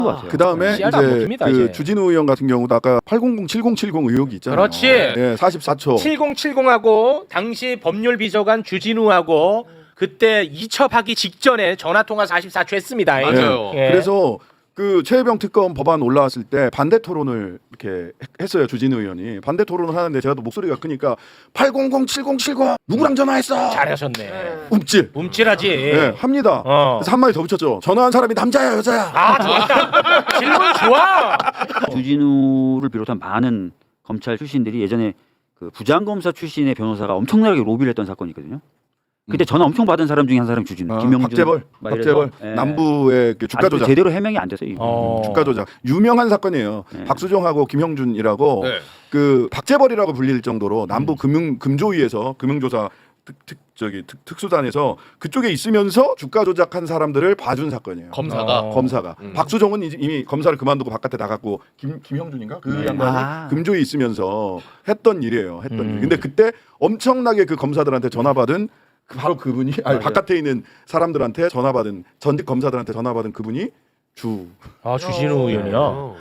그 다음에 씨알도 안 이제 먹힙니다, 그 이제. 주진우 의원 같은 경우도 아까 800-7070 의혹이 있잖아요. 그렇지. 예, 44초. 7070하고 당시 법률 비서관 주진우하고 그때 이첩하기 직전에 전화 통화 44초 했습니다. 맞아요. 예. 그래서 그 최혜병 특검 법안 올라왔을 때 반대 토론을 이렇게 했어요. 주진우 의원이 반대 토론을 하는데 제가 또 목소리가 크니까 800-7070 누구랑 전화했어? 잘하셨네. 움찔. 움찔하지. 네, 합니다. 그래서 한 마디 더 붙였죠. 전화한 사람이 남자야 여자야? 아 좋았다. 질문 좋아. 주진우를 비롯한 많은 검찰 출신들이 예전에 그 부장검사 출신의 변호사가 엄청나게 로비를 했던 사건이 있거든요. 그때 전화 엄청 받은 사람 중에 한 사람이 주진우, 김영준, 박재벌, 막 이래서, 박재벌 예. 남부의 그 주가 아직도 조작. 제대로 해명이 안 돼서 이거. 주가 조작 유명한 사건이에요. 네. 박수종하고 김형준이라고 네. 그 박재벌이라고 불릴 정도로 남부 금조위에서 금융조사 특수단에서 그쪽에 있으면서 주가 조작한 사람들을 봐준 사건이에요. 검사가 검사가 박수종은 이미 검사를 그만두고 바깥에 나갔고 김형준인가 그 양반이 금조위에 있으면서 했던 일이에요. 했던 일. 근데 그때 엄청나게 그 검사들한테 전화 받은 바로 그분이 바깥에 있는 사람들한테 전화 받은 전직 검사들한테 전화 받은 그분이 주진우 의원이야.